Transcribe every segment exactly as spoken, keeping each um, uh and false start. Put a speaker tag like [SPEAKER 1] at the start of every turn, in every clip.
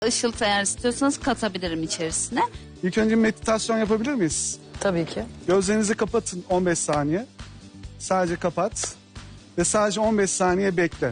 [SPEAKER 1] Işıltı eğer istiyorsanız katabilirim içerisine.
[SPEAKER 2] İlk önce meditasyon yapabilir miyiz?
[SPEAKER 3] Tabii ki.
[SPEAKER 2] Gözlerinizi kapatın on beş saniye. Sadece kapat. Ve sadece on beş saniye bekle.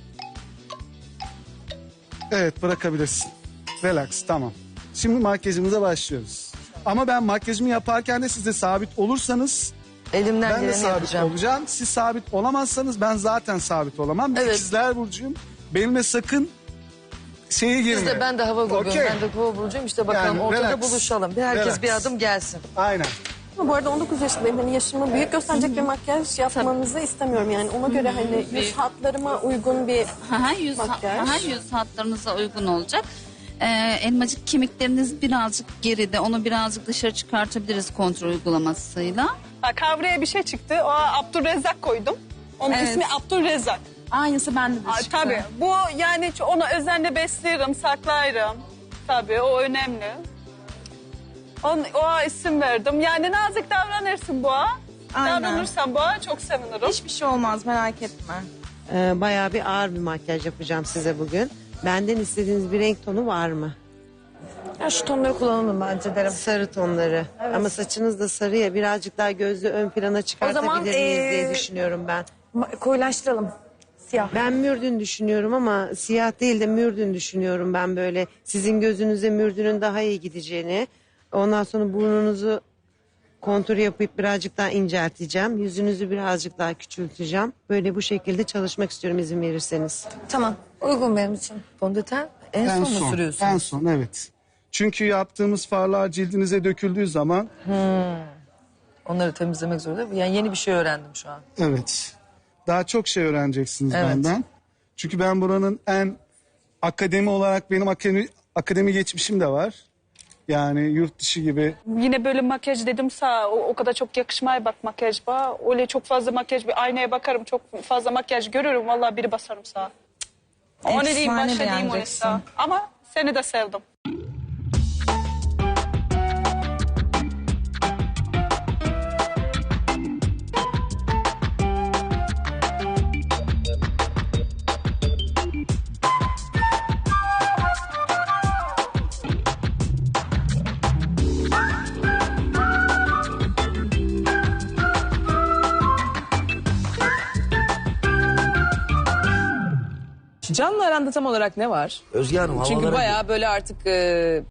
[SPEAKER 2] Evet, bırakabilirsin. Relax, tamam. Şimdi makyajımıza başlıyoruz. Ama ben makyajımı yaparken de siz de sabit olursanız
[SPEAKER 3] Elimden
[SPEAKER 2] ben de
[SPEAKER 3] geleni
[SPEAKER 2] sabit
[SPEAKER 3] yapacağım.
[SPEAKER 2] olacağım. Siz sabit olamazsanız ben zaten sabit olamam. Ben
[SPEAKER 3] Evet.
[SPEAKER 2] İkizler Burcu'yum. Benimle sakın şeye girme.
[SPEAKER 3] Biz de ben de hava grubuyum.
[SPEAKER 2] Okey.
[SPEAKER 3] Ben de kova burcuyum. İşte bakalım
[SPEAKER 2] Yani
[SPEAKER 3] ortada
[SPEAKER 2] relax.
[SPEAKER 3] buluşalım. Bir herkes
[SPEAKER 2] Relax.
[SPEAKER 3] bir adım gelsin.
[SPEAKER 2] Aynen.
[SPEAKER 4] Ama bu arada on dokuz yaşındayım. Hani yaşımı büyük gösterecek bir makyaj yapmanızı istemiyorum yani. Ona göre hani yüz hatlarıma uygun bir
[SPEAKER 1] Aha, yüz,
[SPEAKER 4] Makyaj.
[SPEAKER 1] aha, yüz hatlarınıza uygun olacak. Ee, elmacık kemikleriniz birazcık geride. Onu birazcık dışarı çıkartabiliriz kontrol uygulamasıyla.
[SPEAKER 5] Ha, kavraya bir şey çıktı. O Abdülrezzak koydum. Onun
[SPEAKER 6] Evet.
[SPEAKER 5] ismi Abdülrezzak.
[SPEAKER 6] Aynısı bende de
[SPEAKER 5] Aa,
[SPEAKER 6] çıktı.
[SPEAKER 5] tabii. Bu yani onu özenle beslerim, saklarım. Tabii o önemli. On, o isim verdim. Yani nazik davranırsın boğa.
[SPEAKER 6] Aynen.
[SPEAKER 5] Davranırsan boğa çok sevinirim.
[SPEAKER 6] Hiçbir şey olmaz, merak etme.
[SPEAKER 7] Ee, bayağı bir ağır bir makyaj yapacağım size bugün. Benden istediğiniz bir renk tonu var mı?
[SPEAKER 4] ya şu tonları kullanalım bence derim.
[SPEAKER 7] Sarı tonları. Ama saçınız da sarı ya, birazcık daha gözlü ön plana çıkartabilir
[SPEAKER 4] zaman,
[SPEAKER 7] miyiz diye
[SPEAKER 4] ee,
[SPEAKER 7] düşünüyorum ben.
[SPEAKER 4] Ma- koyulaştıralım. Siyah.
[SPEAKER 7] Ben mürdün düşünüyorum ama siyah değil de mürdün düşünüyorum ben böyle. Sizin gözünüze mürdünün daha iyi gideceğini. Ondan sonra burnunuzu kontur yapıp birazcık daha incelteceğim. Yüzünüzü birazcık daha küçülteceğim. Böyle bu şekilde çalışmak istiyorum izin verirseniz.
[SPEAKER 4] Tamam. Uygun benim için.
[SPEAKER 3] Fondöten en,
[SPEAKER 2] En
[SPEAKER 3] son mu
[SPEAKER 2] son.
[SPEAKER 3] sürüyorsun?
[SPEAKER 2] En son, evet. Çünkü yaptığımız farlar cildinize döküldüğü zaman
[SPEAKER 3] Onları temizlemek zorunda. Yani yeni bir şey öğrendim şu an.
[SPEAKER 2] evet. Daha çok şey öğreneceksiniz
[SPEAKER 3] Evet.
[SPEAKER 2] benden. Çünkü ben buranın en akademi olarak benim akademi, akademi geçmişim de var. Yani yurt dışı gibi.
[SPEAKER 5] Yine böyle makyaj dedim sağ o, o kadar çok yakışmaya bak makyaj ba. Öyle çok fazla makyaj bir aynaya bakarım çok fazla makyaj görürüm vallahi biri basarım sağa. Onu diyeyim
[SPEAKER 6] Efsane
[SPEAKER 5] başa diyeyim onu
[SPEAKER 6] beğeneceksin.
[SPEAKER 5] sağa. Ama seni de sevdim.
[SPEAKER 8] Can'la aranda tam olarak ne var?
[SPEAKER 9] Özge Hanım
[SPEAKER 8] Çünkü
[SPEAKER 9] havalara...
[SPEAKER 8] bayağı böyle artık e,